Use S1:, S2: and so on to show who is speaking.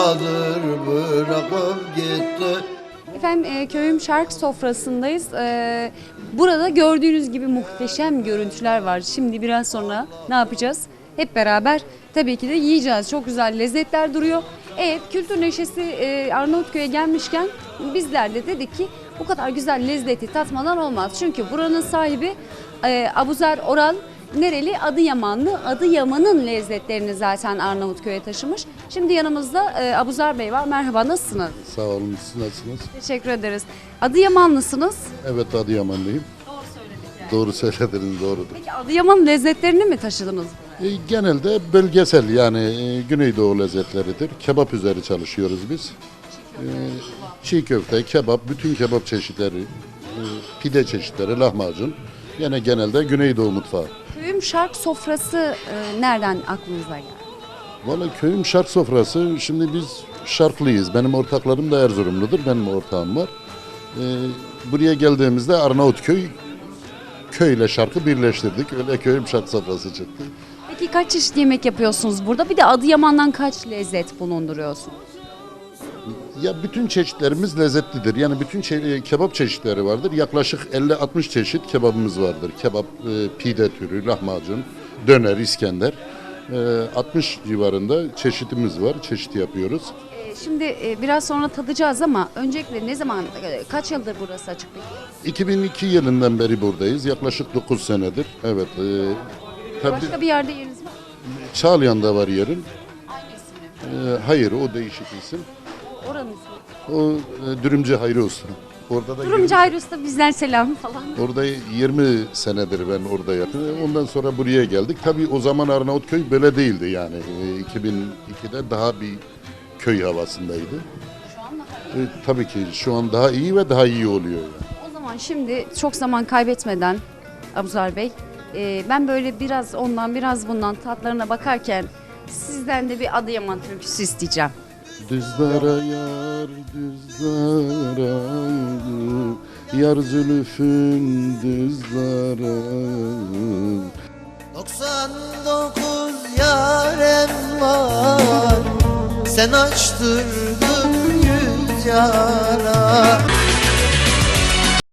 S1: çadır bırakıp gitti.
S2: Efendim köyüm şark sofrasındayız. Burada gördüğünüz gibi muhteşem görüntüler var. Şimdi biraz sonra ne yapacağız? Hep beraber tabii ki de yiyeceğiz. Çok güzel lezzetler duruyor. Evet, kültür neşesi Arnavutköy'e gelmişken bizler de dedik ki bu kadar güzel lezzeti tatmadan olmaz. Çünkü buranın sahibi Abuzer Oral nereli? Adıyamanlı. Adıyaman'ın lezzetlerini zaten Arnavutköy'e taşımış. Şimdi yanımızda Abuzer Bey var. Merhaba, nasılsınız?
S3: Sağ olun, siz nasılsınız?
S2: Teşekkür ederiz. Adıyamanlısınız.
S3: Evet, Adıyamanlıyım.
S2: Doğru söyledik.
S3: Doğru söylediniz, doğrudur.
S2: Peki Adıyaman lezzetlerini mi taşıdınız?
S3: Genelde bölgesel, yani Güneydoğu lezzetleridir. Kebap üzeri çalışıyoruz biz. Çiğ köfte, kebap, bütün kebap çeşitleri, pide çeşitleri, lahmacun. Yine genelde Güneydoğu mutfağı.
S2: Köyüm şark sofrası nereden aklınıza geldi?
S3: Vallahi köyüm şark sofrası, şimdi biz şarklıyız. Benim ortaklarım da Erzurumludur, benim ortağım var. Buraya geldiğimizde Arnavutköy köyle şarkı birleştirdik. Öyle köyüm şark sofrası çıktı.
S2: Peki kaç çeşit yemek yapıyorsunuz burada? Bir de Adıyaman'dan kaç lezzet bulunduruyorsunuz?
S3: Ya bütün çeşitlerimiz lezzetlidir. Yani bütün kebap çeşitleri vardır. Yaklaşık 50-60 çeşit kebabımız vardır. Kebap, pide türü, lahmacun, döner, İskender. 60 civarında çeşitimiz var. Çeşit yapıyoruz.
S2: Şimdi biraz sonra tadacağız ama öncelikle ne zaman, kaç yıldır burası açık peki?
S3: 2002 yılından beri buradayız. Yaklaşık 9 senedir. Evet. Tabii
S2: Başka bir yerde yeriniz var mı?
S3: Çağlayan'da var yerim.
S2: Aynı isimli.
S3: Hayır, o değişik isim.
S2: Oranın ismi.
S3: O Dürümcü Hayri Usta. Orada da
S2: Durumcu Hayri Usta bizden selam falan.
S3: Orada 20 senedir ben orada yapıyorum. Ondan sonra buraya geldik. Tabii o zaman Arnavutköy böyle değildi yani. 2002'de daha bir köy havasındaydı.
S2: Şu an daha
S3: Tabii ki şu an daha iyi ve daha iyi oluyor. Yani.
S2: O zaman şimdi çok zaman kaybetmeden Abuzer Bey, ben böyle biraz ondan biraz bundan tatlarına bakarken sizden de bir Adıyaman türküsü isteyeceğim.
S3: Düzlara yar, düzlara, yar zülfün düzlara.
S1: 99 yarem var, sen açtırdın yüz yara.